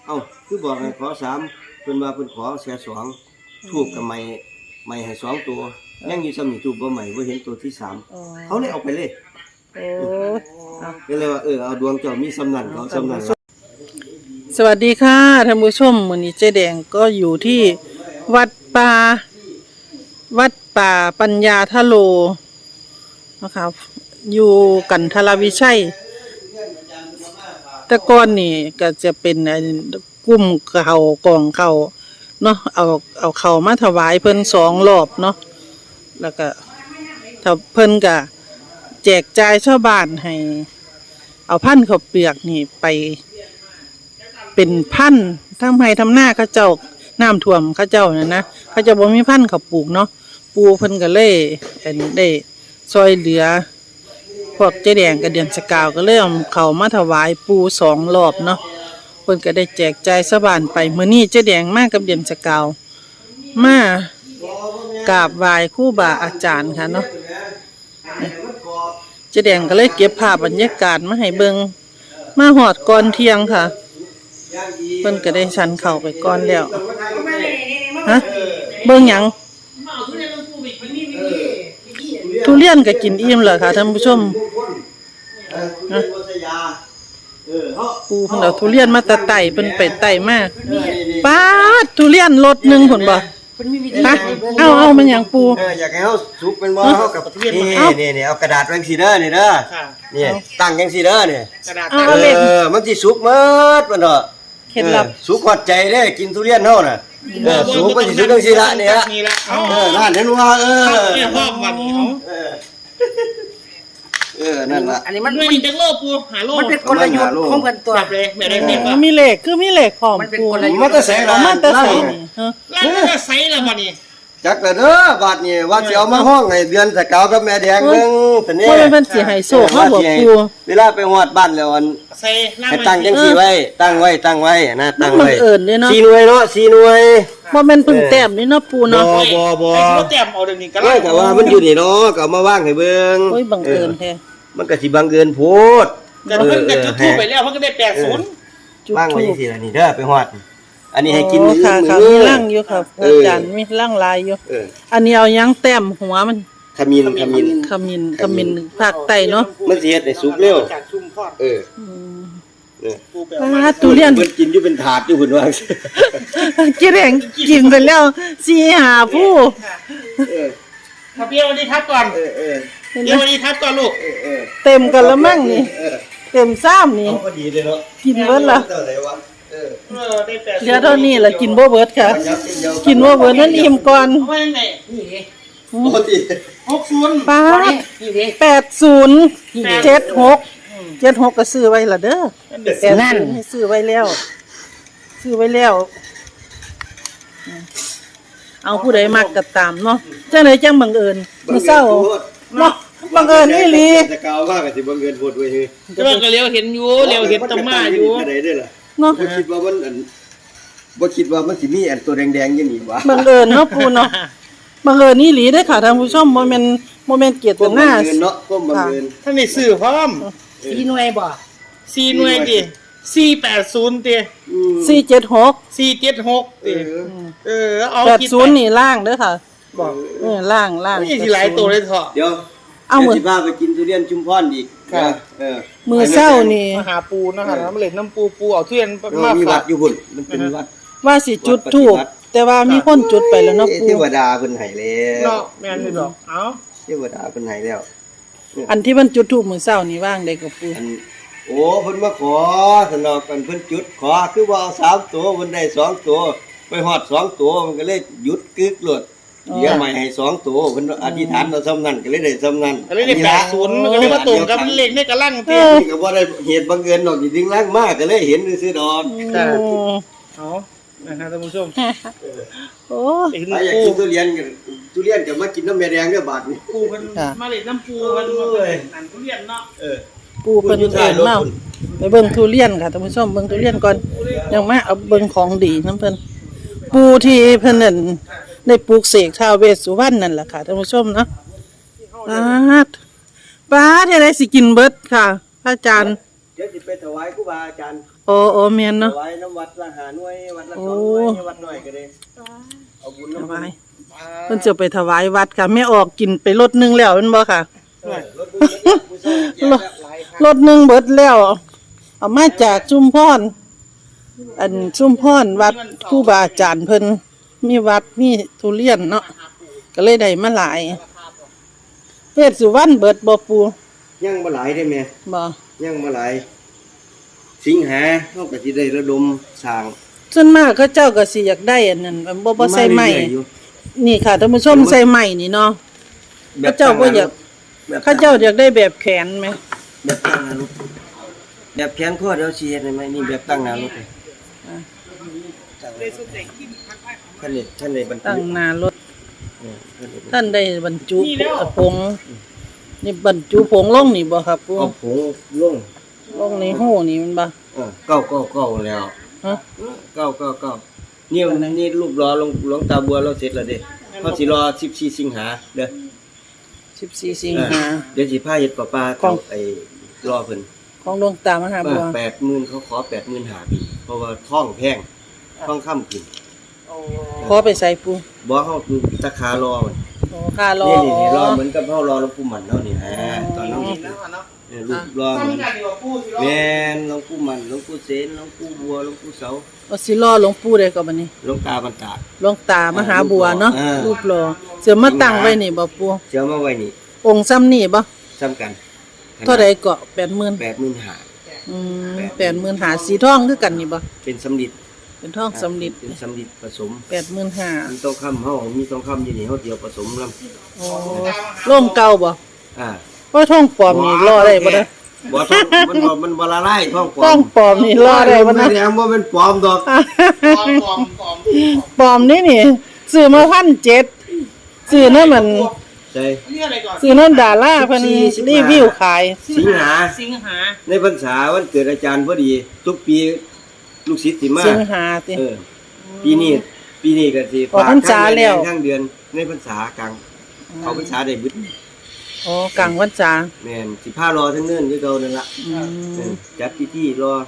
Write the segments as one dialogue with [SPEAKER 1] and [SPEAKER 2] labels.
[SPEAKER 1] เอ้าคือบอกให้ขอ3เพิ่นว่าเพิ่นขอแค่2ทูบกับไม้ให้2ตัวยังอยู่ซ้ำนี่ทูบบ่ใหม่บ่เห็นตัวที่3เขาเลยเอาไปเลย
[SPEAKER 2] โอ้
[SPEAKER 1] ก็เลยว่าเอาดวงเจ้ามีสำนันเขาสำนัน
[SPEAKER 2] สวัสดีค่ะท่านผู้ชมมื้อนี้เจ๊แดงก็อยู่ที่วัดป่าปัญญาทะโลนะคะอยู่กันทรวิชัยแต่ก่อนนี่ก็จะเป็นกุ้มเขากองเขาเนาะเอาเขามาถวายเพิ่น2 รอบเนาะแล้วก็ถ้าเพิ่นก็แจกจ่ายชาวบ้านให้เอาพันธุ์ข้าวเปลือกนี่ไปเป็นพันธุ์ทำไห้ทำหน้าเขาเจ้าน้ำท่วมเขาเจ้านะเขาจะบ่มีพันธุ์เขาปลูกเนาะปูเพิ่นก็เลยได้ซอยเหลือพวกเจ๊แดงกับเดือนสกาวก็เลยเอาเขามาถวายปู2 รอบเนาะเพิ่นก็ได้แจกจ่ายชาวบ้านไปมื้อนี้เจ๊แดงมากับเดือนสกาวมากราบไหว้ครูบาอาจารย์ค่ะเนาะเจ๊แดงก็เลยเก็บภาพบรรยากาศมาให้เบิ่งมาฮอดก่อนเที่ยงค่ะเพิ่นก็ได้ชันเข้าไปก่อนแล้วฮะเบิ่งหยังทุเรียนก็กินอิ่มแล้วค่ะท่านผู้ชมปูเพิ่นเอาทุเรียนมาตะไต่เพิ่นไปไต่มาป๊าดทุเรียนรถนึงพุ่นบ่ฮะเอามันหยังปู
[SPEAKER 1] อยากให้เฮาสุกเป็นบ่เฮากับนี่เอากระดาษไว้จังซี่เด้อนี่เด้อนี่ตั้งจังซี่เด้อนี่
[SPEAKER 2] กระดาษ
[SPEAKER 1] มันสิสุกหมดมันเนาะ
[SPEAKER 2] เคล็ดลับ
[SPEAKER 1] สุกฮอดใจเด้กินทุเรียนเฮาน่ะสุกมันสิสุกจังซี่ละนี่ฮะนั่นเห็นว่า
[SPEAKER 3] เนี่ยพ่อมัน
[SPEAKER 1] นั่นล่ะ
[SPEAKER 3] อันนี้มันด้วยจังโลปูหาโล
[SPEAKER 4] มันเป็นกลยุทธ์ของเพิ่นตัว
[SPEAKER 3] แบบเลยแบบได้ป่ะ
[SPEAKER 2] มีเลขคือมีเลขพร้อมปู
[SPEAKER 1] มันจะแสงล่ะ
[SPEAKER 2] มันจะใส่นี่
[SPEAKER 3] แล้วมันจะใส่ละบัดนี้
[SPEAKER 1] จักแล้วเด้อบาดนี้ว่าสิเอามาห้องให้เดือนสกาวกับแม่แดงนึงแต่นี่
[SPEAKER 2] มันเป็นสิให้โชคเฮาบ่ปู
[SPEAKER 1] เวลาไปฮอดบ้านแล้วอัน
[SPEAKER 3] ใส่
[SPEAKER 1] ให้ตั้งจังซี่ไว้ตั้งไว้นะตั้งไว้
[SPEAKER 2] บังเอิญเด้เนาะ
[SPEAKER 1] 4 หน่วยเนาะ4 หน่วย
[SPEAKER 2] บ่แม่นพึ่งแต้มนี่เนาะปูเนาะ
[SPEAKER 1] บ่
[SPEAKER 3] ไอ้สิแต้มเอาเดี๋ยวนี้ก็
[SPEAKER 1] ได้แต่ว่ามันอยู่นี่เนาะก็เอามาวางให้เบิ่ง
[SPEAKER 2] โอ้ยบังเอิญแท้
[SPEAKER 1] มันก็สิบังเอิญโพด
[SPEAKER 3] แต่เพิ่นก็จุดทูปไปแล้วเพิ่นก็ได้80
[SPEAKER 1] วางไว้จังซี่ล่ะนี่เด้อไปฮอดอันนี้ให้กินมื้อ
[SPEAKER 2] มีร่างอยู่ครับอาจารย์มีร่างลายอยู่อันนี้เอายังแต้มหัวมัน
[SPEAKER 1] ขมิ้น
[SPEAKER 2] ภาคใต้เนาะ
[SPEAKER 1] มันสิเฮ็ดให้สุกเร็ว
[SPEAKER 3] จากชุ่มทอด
[SPEAKER 2] ทุเรียน
[SPEAKER 1] เพิ่นกินอยู่เป็นถาดอยู่พุ่นว่า
[SPEAKER 2] กินแรงกินไปแล้ว4-5ผู้
[SPEAKER 3] มาเปียวดีทับก่อนเดี๋ยวดีทับก่อนลูก
[SPEAKER 2] เต็มกันแล้วมั่งนี่เต็ม3นี่
[SPEAKER 1] พอดีเลยเนาะ
[SPEAKER 2] กินเบิดล่ะ
[SPEAKER 3] ได้80
[SPEAKER 2] เหลือเท่านี้ล่ะกินบ่เบิดค่ะกินบ่เบิดนั่นอิ่มก่อน
[SPEAKER 3] เอาไว้ไหนนี่ดิ
[SPEAKER 1] ปกติ
[SPEAKER 3] 60
[SPEAKER 2] ป๊าด
[SPEAKER 3] นี่ดิ
[SPEAKER 2] 80 76ก็ซื้อไว้ล่ะเด้อนั่นซื้อไว้แล้วเอาผู้ใดมักก็ตามเนาะจังได๋จังบังเอิญมื้อเช้าเนาะบังเอิญอีหลี
[SPEAKER 1] จะกล่าวว่าก็สิบังเอิญโพดเว้ย
[SPEAKER 3] แต่ว่าก็เลี้ยวเห็นอยู่เลี้ยวเห็นตะมาอยู่
[SPEAKER 1] ได้เด้อล่ะ
[SPEAKER 2] เนาะ
[SPEAKER 1] บ่คิดว่ามันสิมีอันตัวแดงๆอย่างนี้วะ
[SPEAKER 2] บังเอิญเนาะปูเนาะบังเอิญอีหลีเด้อค่ะท่านผู้ชมบ่แม่นเกียรติหน้า
[SPEAKER 1] เนาะก็บังเอิญ
[SPEAKER 3] ท่านได้ซื้อพร้อม
[SPEAKER 4] 4 หน่วยบ่
[SPEAKER 3] 4 หน่วยดิ480ติ
[SPEAKER 2] 476
[SPEAKER 3] 476ติเอา
[SPEAKER 2] 80นี่ล่างเด้อค่ะ
[SPEAKER 3] บ่
[SPEAKER 2] ล่าง
[SPEAKER 3] นี่สิหลายตัวเลยเถาะ
[SPEAKER 1] เดี๋ยวเอามื้อสิพาไปกินทุเรียนชุมพรอีก
[SPEAKER 2] มื้อเช้านี่
[SPEAKER 3] มาหาปูนะคะน้ำเล่นน้ำปูเอาทุเรียนมา
[SPEAKER 1] มีวัดอยู่พุ่นมันเป็นวัด
[SPEAKER 2] ว่าสิจุดธูปแต่ว่ามีคนจุดไปแล้วเนาะปู
[SPEAKER 1] เทวดาเพิ่นให้แล้ว
[SPEAKER 3] เนาะแม่นอยู่ดอกเอ้า
[SPEAKER 1] เทวดาเพิ่นให้แล้ว
[SPEAKER 2] อันที่มันจุดธูปมื้อเช้านี่ว่างได้กับปู
[SPEAKER 1] โอ้เพิ่นมาขอสนอกกันเพิ่นจุดขอคือว่าเอา3ตัวเพิ่นได้2ตัวไปฮอด2ตัวมันก็เลยหยุดกึกโลดเดี๋ยวใหม่ให้2ตัวเพิ่นอธิษฐานเอาซ้ำนั้นก็เลยได้ซ้ำนั้น
[SPEAKER 3] ก็เลยได้80มันก็เลยมาตรงกับเลขในกะลังติ
[SPEAKER 1] นี่ก็บ่ได้เหตุบังเอิญดอกจริงๆลังมากก็เลยเห็นซื่อๆดอก
[SPEAKER 3] เอานะครับท่านผู้ชม
[SPEAKER 2] โอ้
[SPEAKER 1] อยากกินทุเรียนก็มากินน้ำแม่แดงเด้อบาดนี้
[SPEAKER 3] ปูเพิ่นมาเล่นน้ำปูเพิ่นมาเล่นนั่นทุเรียนเนาะ
[SPEAKER 2] ปูเพิ่นเอิ้นมาไปเบิ่งทุเรียนค่ะท่านผู้ชมเบิ่งทุเรียนก่อนยังมาเอาเบิ่งของดีนำเพิ่นปูที่เพิ่นนั่นได้ปลูกเสกท้าวเวสสุวรรณนั่นล่ะค่ะท่านผู้ชมเนาะป๊าดเฮ็ดได้สิกินเบิดค่ะพระอาจารย์
[SPEAKER 1] เดี๋ยวสิไปถวายครูบาอาจารย์
[SPEAKER 2] โอ้แม่นเนาะ
[SPEAKER 1] ถวายน้ำวัดละ5หน่วยวัดละ
[SPEAKER 2] โอ้
[SPEAKER 1] 2หน่วยวัดน้อยก็ได้เอาบุญ
[SPEAKER 2] ถ
[SPEAKER 1] น้ำ
[SPEAKER 2] วายเพิ่นจะไปถวายวัดค่ะแม่ออกกินไปรถนึงแล้วแม่นบ่ค่ะ
[SPEAKER 1] รถบุญผู้ชายแจกแบบหลายครั้ง
[SPEAKER 2] รถนึงเบิดแล้วเอามาจากชุมพรอันชุมพรวัดครูบาอาจารย์เพิ่นมีวัดมีทุเรียนเนาะก็เลยได้มาหลายเวชสุวรรณเบิดบ่ปู
[SPEAKER 1] ยังบ่หลายได้แม่
[SPEAKER 2] บ่
[SPEAKER 1] ยังบ่หลายสิงหาเฮาก็สิได้ระดมสร้าง
[SPEAKER 2] ส่วนมากเขาเจ้าก็สิอยากได้อันนั้นบ่ใส่ไม้
[SPEAKER 1] เรื่อยๆอยู่
[SPEAKER 2] นี่ค่ะท่านผู้ชมใส่ไม้นี่เนาะเขาเจ้าบ่อยากเขาเจ้าอยากได้แบบแขนไหม
[SPEAKER 1] แบบตั้งหน้ารถแบบแขนข้อเดียวสิเฮ็ดได้ไหมนี่แบบตั้งหน้ารถเลยท่านได้บรร
[SPEAKER 2] ตั้
[SPEAKER 1] ทุ
[SPEAKER 2] ง
[SPEAKER 1] ก
[SPEAKER 2] หน้ารถ
[SPEAKER 1] ท่านได้บรรทุก
[SPEAKER 2] ท่านได้บรรจุผงนี่บรรจุผงลงนี่บ่ครับปู
[SPEAKER 1] เอาผงลง
[SPEAKER 2] ลงในหูนี่มันบ่
[SPEAKER 1] เก้าแล้ว
[SPEAKER 2] ฮะ
[SPEAKER 1] เก้านี่รูปรอหลวงตาบัวเราเสร็จแล้วเด้เฮาสิรอ14สิงหาเด้อ
[SPEAKER 2] 14สิงหา
[SPEAKER 1] เดี๋ยวสิพาเฮ็ดประปา
[SPEAKER 2] ของ
[SPEAKER 1] ไอ้รอเพิ่น
[SPEAKER 2] ของหลวงตามหาบัว
[SPEAKER 1] 80,000เขาขอ 80,000หาปีเพราะว่าท้องแพงท้องค่ำกิน
[SPEAKER 2] ขอไปใส่ปู
[SPEAKER 1] บ่เฮาคือตะคารอมัน
[SPEAKER 2] โอ้ค่ารอ
[SPEAKER 1] นี่รอเหมือนกับเฮารอหลวงปู่หมันเนาะนี่ฮะตอนนั้นรูปรอ
[SPEAKER 3] ทำกันดีกว่าพูดสิ
[SPEAKER 1] แม่นหลวงปู่หมันหลวงปู่เสนหลวงปู่บัวหลวงปู่เสา
[SPEAKER 2] เอาสิรอหลวงปู่ได้ก็บัดนี้
[SPEAKER 1] หลวงตาบรรดา
[SPEAKER 2] หลวงตามหาบัวเนาะ
[SPEAKER 1] อ่า
[SPEAKER 2] รูปรอเสือมาตั้งไว้นี่บ่ปู
[SPEAKER 1] เชื่อมาไว้นี่
[SPEAKER 2] องค์ซ้ำนี่บ่
[SPEAKER 1] ซ้ำกัน
[SPEAKER 2] เท่าใดเกาะ 80,000
[SPEAKER 1] 80,000หา
[SPEAKER 2] 80,000หาสีทองคือกันนี่บ่
[SPEAKER 1] เป็นสำลิด
[SPEAKER 2] เป็นทองสำลิด
[SPEAKER 1] เป็นสำลิดผสม
[SPEAKER 2] 85,000
[SPEAKER 1] มีทองคำเฮามีทองคำอยู่นี่เฮาเดียวผสมลำ
[SPEAKER 2] โอ้ร่มเก่าบ่
[SPEAKER 1] อ่า
[SPEAKER 2] เพราะทองปลอมนี่รอได้บ่เด้อ
[SPEAKER 1] บ่ทองมันบ่ละลายทองปล
[SPEAKER 2] ท
[SPEAKER 1] อ
[SPEAKER 2] อง
[SPEAKER 1] ม
[SPEAKER 2] ปลอมนี่รอได้บ่
[SPEAKER 1] มั
[SPEAKER 2] นะ
[SPEAKER 1] นแดงบ่เป็นปลอมดอก
[SPEAKER 3] ปลอม
[SPEAKER 2] ปลอมนี่ซื้อมา1,700ซื้อนั่นมัน
[SPEAKER 1] ใช่
[SPEAKER 3] นี่อะไรก่อน
[SPEAKER 2] ซื้อนั่นดาราเพิ่นรีวิวขาย
[SPEAKER 1] สิงหา
[SPEAKER 3] สิงหา
[SPEAKER 1] ในพรรษาวันเกิดอาจารย์พอดี ทุกปีลูกศิษย์สิมา
[SPEAKER 2] สิงหาติ
[SPEAKER 1] ปีนี้ก็สิ
[SPEAKER 2] ออกพรรษาแล้ว
[SPEAKER 1] ทั้งเดือนในพรรษากลางเขาพรรษาได้บึด
[SPEAKER 2] โอ้กลางพรรษา
[SPEAKER 1] แม่นสิพารอทั้งเนิ่นคือเก่านั่นล่ะ
[SPEAKER 2] อืม
[SPEAKER 1] จัดพิธีรอ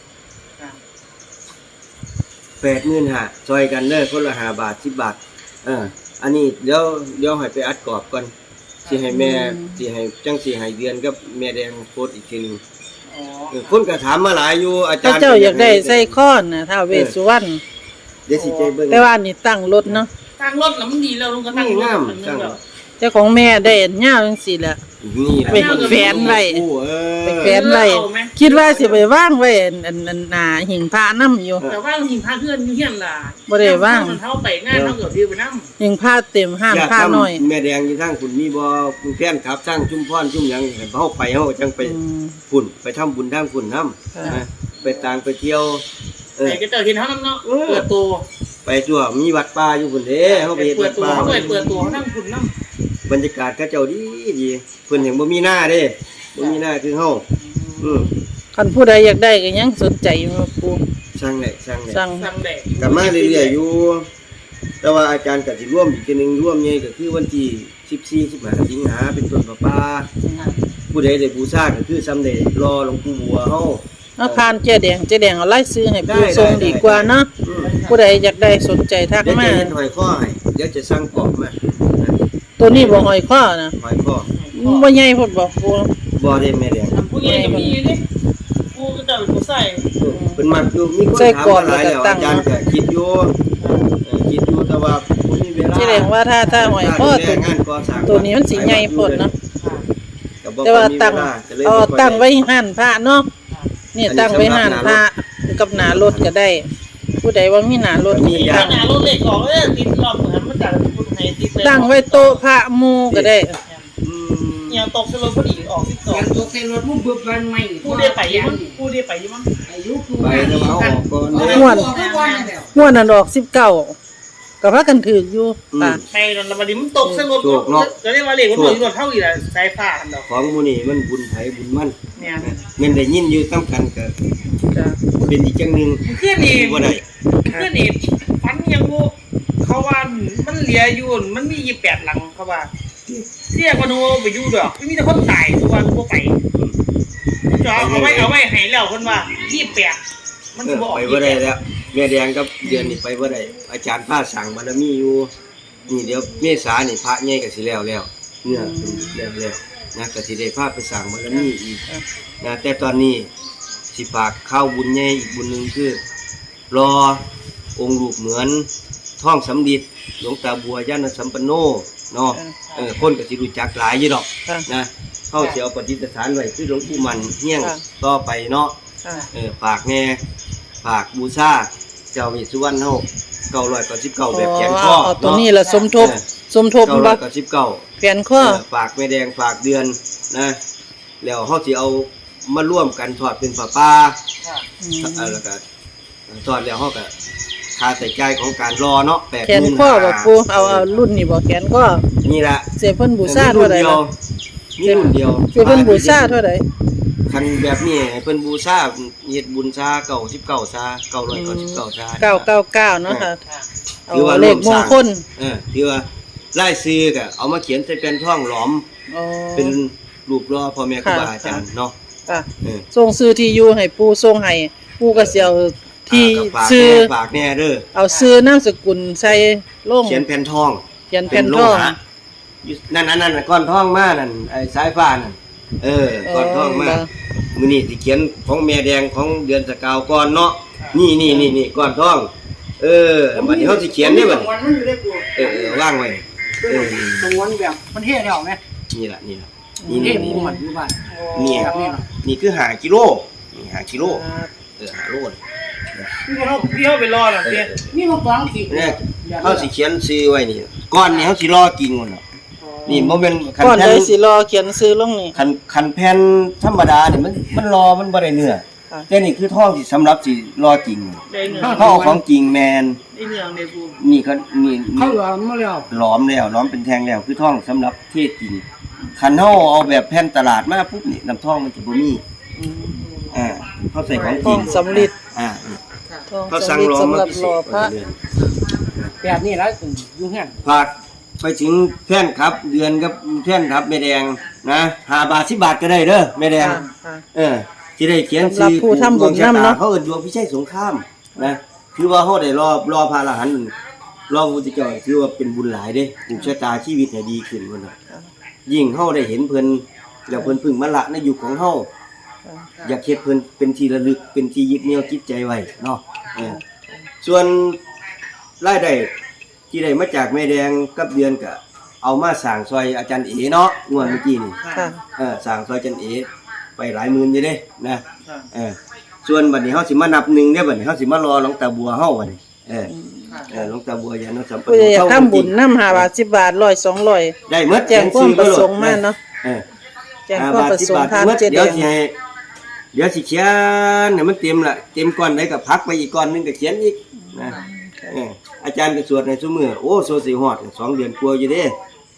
[SPEAKER 1] 80,000หาซอยกันเด้อคนละ5 บาท10 บาทอันนี้เดี๋ยวให้ไปอัดกรอบก่อนสิให้แม่สิให้จังสิให้เดือนกับแม่แดงโพสต์อีกทีหนึงคนก็ถามมาหลายอยู่อาจารย์
[SPEAKER 2] เจ้าอยากได้ใส่ค้อนน่ะท้าวเวสสุวรรณ
[SPEAKER 1] เดี๋ยวสิใจเบิ่ง
[SPEAKER 2] แต่ว่านี่ตั้งรถเนาะ
[SPEAKER 3] ตั้งรถแล้วมันดีแล้วลุงก็ตั้งรถมันนึงแล้ว
[SPEAKER 2] เจ้าของแม่ได้อันยาวจังซี่แหละ
[SPEAKER 1] นี่แหละ
[SPEAKER 2] ไปแขวนไว้ ไปแขวนไว้
[SPEAKER 3] เอาไหม
[SPEAKER 2] คิดว่าสิไปวางไว้อันหน้าหิ้งพระนำอยู่
[SPEAKER 3] แต่ว่าหิงพาเพื่อนอยู่เฮียนล่ะ
[SPEAKER 2] บ่ได้ว่าง
[SPEAKER 3] มันเท่าไปงานเท่าเกือบดีไปนำ
[SPEAKER 2] หิ้งพระเต็มห้าน
[SPEAKER 1] อยาก
[SPEAKER 2] พระ
[SPEAKER 1] ทำ
[SPEAKER 2] น้อย
[SPEAKER 1] แม่แดงอยู่ทางคุณมีบ่คุณแฟนครับทางชุมพรชุมหยังเฮาไปเฮาจังไป
[SPEAKER 2] อืม
[SPEAKER 1] ฝุ่นไปทำบุญทางฝุ่นนำ
[SPEAKER 2] ค่ะ
[SPEAKER 1] ไปต่างไปเที่ยวเออ
[SPEAKER 3] ไอ้ก็เจอเห็นเท่านั้นเนาะเปิดตัว
[SPEAKER 1] ไปทั่วมีวัดป่าอยู่พุ่นเด้เฮาไปเฮ็ด
[SPEAKER 3] เปิ
[SPEAKER 1] วั
[SPEAKER 3] ด
[SPEAKER 1] ด
[SPEAKER 3] ตัว
[SPEAKER 1] ป่า
[SPEAKER 3] เขาเปิดตัวเขานั่งคุณนั่ง
[SPEAKER 1] บรรยากาศเขาเจ้าดีเพิ่นยังบ่มีหน้าเด้บ่มีหน้าคือเฮาอือ
[SPEAKER 2] คันผู้ใดอยากได้ก็ยังสนใจอยู่ว่าปู่
[SPEAKER 1] ช่างแหละ
[SPEAKER 2] สั่ง
[SPEAKER 3] สั่งแดก
[SPEAKER 1] กลับมาเรื่อยๆอยู่ แต่ว่าอาจารย์ก็สิร่วมอีกทีหนึงร่วมใหญ่ก็คือวันที่14 15สิงหาเป็นต้นป่าผู้ใดได้บูชาก็คือสำเร็จรอหลวงปู่บัวเฮา
[SPEAKER 2] เอาผ่านเจ๊แดงเอาไล่ซื้อให้ปู่
[SPEAKER 1] ได้
[SPEAKER 2] ส่ง
[SPEAKER 1] ได้
[SPEAKER 2] ดีกว่าเนาะ
[SPEAKER 1] อืม
[SPEAKER 2] ผู้ใดอยากได้สนใจทัก
[SPEAKER 1] เดี๋ยว
[SPEAKER 2] มา
[SPEAKER 1] จะเห็นหอยข้อให้เดี๋ยวจะสั่งกรอบมา
[SPEAKER 2] ตัวนี้บ่หอยข้อนะ
[SPEAKER 1] หอยข้อ
[SPEAKER 2] บ่ใหญ่พุ่นบ่ปู่
[SPEAKER 1] บ่ได้แม่แดง
[SPEAKER 3] ผู้ใหญ่ก็มีนี่กูก็จะเป็นผู้ใส่
[SPEAKER 1] เป็นมักอยู่มีคนถามมาหลายแล้วอาจารย์ก็คิดอยู่คิดอยู่แต่ว่าบ่มีเวลา
[SPEAKER 2] แสดงว่าถ้าหอยข้อ
[SPEAKER 1] ดูแลงานก่อสร้าง
[SPEAKER 2] ตัวนี้มันสิใหญ่พุ่นเนาะ
[SPEAKER 1] ก็บ่
[SPEAKER 2] แต่ว่า
[SPEAKER 1] มี
[SPEAKER 2] ตั้ง
[SPEAKER 1] เวลาก็เลย
[SPEAKER 2] เอา
[SPEAKER 1] บ่ค่อย
[SPEAKER 2] ตั้งไว้ห้านพระเนาะนี่ตั้งไว้ห้านพระกับหน้ารถก็ได้ ผู้ใดว่ามีหน้ารถ
[SPEAKER 1] มี
[SPEAKER 3] มี
[SPEAKER 1] อย่า
[SPEAKER 3] ขนาดรถเล็กออกติดรอบเหมือนมันจากคุณไทยติดเลย
[SPEAKER 2] ตั้งไว้โต๊ะพระหมู่ก็ได้
[SPEAKER 1] อืม
[SPEAKER 3] ยังตกสลบพอดีออกที่ต่อ
[SPEAKER 4] ยังตกใส่รถมุ่งบึบมันใหม่
[SPEAKER 3] ผู้ได้ไปยังผู้ได้ไปยังมั้ง
[SPEAKER 4] อายุกู
[SPEAKER 1] ไปแต่ว่าเอาออกก่อนเด้
[SPEAKER 2] ม่วน
[SPEAKER 4] ทุกวันนั่นแหละ
[SPEAKER 2] หัวนั่นออก19ก็พากันถืออยู่ตา
[SPEAKER 3] ไปนนวันนี้มันตกสลบก็เรียกว่าเล็กมันหน่วยเท่าอีกแหละสายฟ้าอันดอก
[SPEAKER 1] ของหมู่นี่มันบุญไผบุญมัน
[SPEAKER 3] เนี่ย
[SPEAKER 1] แม่นได้ยินอยู่นํกันก็
[SPEAKER 2] จ้ะ
[SPEAKER 1] เป็นอีกจังหนึง
[SPEAKER 3] เพื่อนนี่
[SPEAKER 1] บ่ได้
[SPEAKER 3] เพื่อนนี่ฟันยังกูเขาว่ามันเหลียอยู่มันมี28หลังเขาว่าเรียกว่าโนไปอยู่ดอกไม่มีแต่คนตายทุกวันกูไปจอเอาไว้ให้แล้วคนว่า28 มันสิบ่ออก
[SPEAKER 1] ไปบ่ได้แล้วแม่แดงกับเดือนนี่ไปบ่ได้อาจารย์พาสั่งบารมีอยู่นี่เดี๋ยวเมษานี่พระใหญ่ก็สิแล้วเนี่ยแล้วนะก็สิได้พาไปสั่งบารมีอีกนะแต่ตอนนี้สิฝากข้าวบุญใหญ่อีกบุญหนึงคือรอองค์รูปเหมือนท่องสำริดหลวงตาบัวญาณสัมปันโนเนาะคนก็สิรู้จักหลายอยู่ดอก
[SPEAKER 2] ค่ะ
[SPEAKER 1] นะเฮาสิเอาปฏิสถานไว้คือหลวงปู่มันเฮี้ยง
[SPEAKER 2] ค่ะ
[SPEAKER 1] ต่อไปเนาะ
[SPEAKER 2] ค่ะ
[SPEAKER 1] ฝากแน่ฝากบูชาเจ้ามีสุวรรณเฮา999แบบแขนคอ
[SPEAKER 2] เอาตัวนี้ล่ะสมทบบ่
[SPEAKER 1] 999
[SPEAKER 2] แขนข้อ
[SPEAKER 1] ฝากแม่แดงฝากเดือนนะแล้วเฮาสิเอามาร่วมกันทอดเป็นผ้าป่าแล้วก็ทอดแล้วเฮาก็ค่าใช้จ่ายของการรอเนาะ8,000
[SPEAKER 2] แขนข้อบ่ปูเอารุ่นนี้บ่แขนข้อ
[SPEAKER 1] นี่ล่ะ
[SPEAKER 2] เสียเพิ่นบูชาเท่าใดล่ะ
[SPEAKER 1] มีรุ่นเดียว
[SPEAKER 2] เสียเพิ่นบูชาเท่าใด
[SPEAKER 1] คันแบบนี้ให้เพิ่นบูชาเฮ็ดบุญซา99ซา999ซา
[SPEAKER 2] 999เนาะค่ะเอา
[SPEAKER 1] ถือว่า
[SPEAKER 2] เลขมงคล
[SPEAKER 1] ถือว่าไล่ซื้อก็เอามาเขียนใส่แผ่นทองหลอม
[SPEAKER 2] อ๋อ
[SPEAKER 1] เป็นรูปรอพ่อแม่ครูบาอาจารย์เนาะ
[SPEAKER 2] ค่ะ
[SPEAKER 1] เออ
[SPEAKER 2] ส่งซื้อที่อยู่ให้ปู่ส่งให้ปู่ก็สิเอาที่
[SPEAKER 1] ก็ฝาก
[SPEAKER 2] ซื้อ
[SPEAKER 1] แน่ฝากแน่เด้อ
[SPEAKER 2] เอาซื้อนามสกุลใส่ลง
[SPEAKER 1] เขียนแผ่นทอง
[SPEAKER 2] เขียนแผ่น
[SPEAKER 1] โล
[SPEAKER 2] ทอง
[SPEAKER 1] หะอยู่นั่นก้อนทองมานั่นไอ้สายฟ้านั่นก้อนทองมามื้อนี้สิเขียนของแม่แดงของเดือนสกาวก่อนเนาะนี่ก้อนทองบัดนี้เฮาสิเขียนได้บัด
[SPEAKER 4] วันมันอยู่ได้กู
[SPEAKER 1] วางไว้
[SPEAKER 4] ตรงวันแบบมันเท่แล้วไหม
[SPEAKER 1] นี่ล่ะนี่
[SPEAKER 4] เท่หมูมันอยู่บ้าน
[SPEAKER 1] นี่
[SPEAKER 4] แบบนี้เนาะ
[SPEAKER 1] นี่คือ5กิโลนี่5กิโล5โล
[SPEAKER 3] พี่เขาไปรอน่ะเด้
[SPEAKER 4] นี่มันฟังขีด
[SPEAKER 1] เนี่ยเขาสิเขียนซื้อไว้นี่ก้อนนี่เขาสิรอกินก่อนเนาะนี่บ่แม่นคัน
[SPEAKER 2] ก่อน
[SPEAKER 1] แผ่
[SPEAKER 2] เล
[SPEAKER 1] น
[SPEAKER 2] ยสิรอเขียนซื้อลงนี่
[SPEAKER 1] คันแผ่นธรรมดานี่มันรอมันบ่ได้เนื้อ
[SPEAKER 2] ค่ะ
[SPEAKER 1] แต่นี่คือทองที่สำหรับสิรอจริง
[SPEAKER 3] ได้เนื้อ
[SPEAKER 1] เขาเอาของจริงแมน
[SPEAKER 3] ได้เนื้อในกู
[SPEAKER 1] นี่เขานี่
[SPEAKER 4] เขาหลอมมาแล้ว
[SPEAKER 1] หลอมแล้วหลอมเป็นแท่งแล้วคือทองสำหรับเทศจริงคันเฮาเอาแบบแผ่นตลาดมาปุ๊บนี่น้ำทองมันจะบ่มีเขาใส่ของจริง
[SPEAKER 2] ทองสำริด ทอง
[SPEAKER 1] เขาสั่
[SPEAKER 2] สำ
[SPEAKER 1] ง
[SPEAKER 2] ริด
[SPEAKER 1] รอ
[SPEAKER 2] สำ
[SPEAKER 1] มา
[SPEAKER 2] หรับ
[SPEAKER 1] พิเศ
[SPEAKER 2] รอ
[SPEAKER 1] ษ
[SPEAKER 2] พระ
[SPEAKER 4] แบบนี้แล้วอยู่เงี้ย
[SPEAKER 1] ฝากไปถึงแฟนครับเดือนกับแฟนครับแม่แดงนะ5 บาท 10 บาทก็ได้เด้อแม่แดง
[SPEAKER 2] ค่ะ
[SPEAKER 1] ที่ได้เขียน
[SPEAKER 2] สำหรับผู้ทำบุญนำเนาะ
[SPEAKER 1] เขาเอิ้นดวงพิชัยสงครามนะคือว่าเขาได้รอพระอรหันต์รอพระพุทธเจ้าถือว่าเป็นบุญหลายเด้ผูกชะตาชีวิตให้ดีขึ้นพุ่นน่ะยิ่งเฮาได้เห็นเพิ่นแล้วเพิ่นพึ่งมาละในยุคของเฮาอยากเฮ็ดเพิ่นเป็นที่ระลึกเป็นที่ยึดเหนี่ยวจิตใจไว้เนาะส่วนรายได้ที่ได้มาจากแม่แดงกับเดือนก็เอามาสร้างซอยอาจารย์เอเนาะงวดเมื่อกี้นี่
[SPEAKER 2] ค่ะ
[SPEAKER 1] สร้างซอยอาจารย์เอไปหลายหมื่นอยู่เด้นะส่วนบัดนี้เฮาสิมานับหนึ่งเด้อบัดนี้เฮาสิมารอหลวงตาบัวเฮาบัดนี้หลวงตาบัวญาณสัมปัน
[SPEAKER 2] ผู้
[SPEAKER 1] โน
[SPEAKER 2] ใดอยากทำบุญนำ5 บาท 10 บาท 100 200
[SPEAKER 1] ได้หมด
[SPEAKER 2] แจ้งความประสงค์มาเนาะ
[SPEAKER 1] เออ
[SPEAKER 2] แจ้งความประสงค์ทางเจ
[SPEAKER 1] เดี๋
[SPEAKER 2] แด
[SPEAKER 1] ยว
[SPEAKER 2] ง
[SPEAKER 1] สิให้เดี๋ยวสิเขียนให้มันเต็มละเต็มก้อนได้ก็พักไปอีกก้อนหนึงก็เขียนอีกนะอาจารย์ก็สวดในซุมื้อโอ้โซสิฮอด2 เดือนกว่าอยู่เด้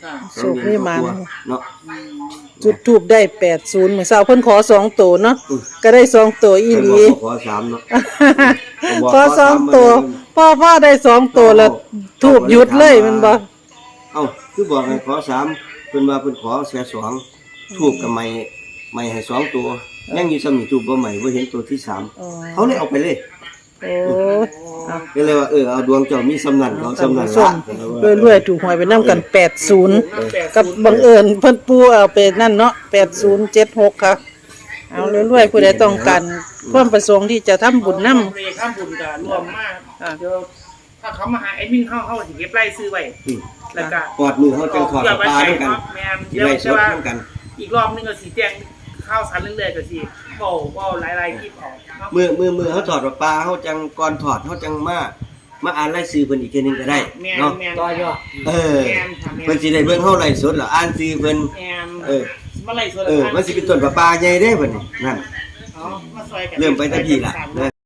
[SPEAKER 1] 2 เดือนกว่าเนาะ
[SPEAKER 2] จุดทูบได้80มื้อเช้าเพิ่นขอ2ตัวเนาะก็ได้2ตัวอีหลี
[SPEAKER 1] ขอ3เนาะ
[SPEAKER 2] ขอ2ตัวพ่อได้2ตัวแล้วทูบหยุดเลยแมันบ่
[SPEAKER 1] เอ้าคือบอกให้ขอ3เพิ่นว่าเพิ่นขอแค่2ทูบกับไม่ให้2ตัวยังอยู่ซ้ำนี่ทูบบ่ใหม่บ่เห็นตัวที่3เขาเลยเอาไปเลย
[SPEAKER 2] โอ้เอา
[SPEAKER 1] ก็เลยว่าเอาดวงเจ้ามีสำนันเขาสำนัน
[SPEAKER 2] ส้มรวยๆถูกหวยไปนำกัน80กับบังเอิญเพิ่นปูเอาไปนั่นเนาะ8076ค่ะเอารวยๆผู้ใดต้องการความประสงค์ที่จะทำบุญนำ
[SPEAKER 3] เรข้ามบุญกับรวมมากเดี๋ยวถ้าเขามาหาแอดมินเข้าสิเก็บไล่ซื้อไว้แล้วก็
[SPEAKER 1] กอดมือเขาจังถอดปลาด้วยกัน
[SPEAKER 3] แม่น
[SPEAKER 1] สิ
[SPEAKER 3] เดี๋ยว
[SPEAKER 1] ไล่ส
[SPEAKER 3] จะ
[SPEAKER 1] ด
[SPEAKER 3] ว่า
[SPEAKER 1] ด้วยกัน
[SPEAKER 3] อีกรอบนึงก็สิแจ้งข้าวสารเรื่อยๆก็สิเว้าหลายๆคลิปออกเนาะ
[SPEAKER 1] มือเขาถอดปลาเขาจังก่อนถอดเขาจังมาอ่านไล่ซื้อเพิ่นอีกทีนึงก็ได้
[SPEAKER 3] แม่น
[SPEAKER 1] เนาะ
[SPEAKER 3] แม่น
[SPEAKER 4] ต่อยอด
[SPEAKER 1] เพิ่นสิได้เบิ่งเฮาไล่สดแล้วอ่านซื้อเพิ่น
[SPEAKER 3] แม่น
[SPEAKER 1] เออ
[SPEAKER 3] มาไล่สด
[SPEAKER 1] มันสิเป็นต้นปลาใหญ่เด้เพิ่นนั่น
[SPEAKER 3] อ๋อมาซอยกัน
[SPEAKER 1] เริ่มไปแต่พี่ล่ะนะ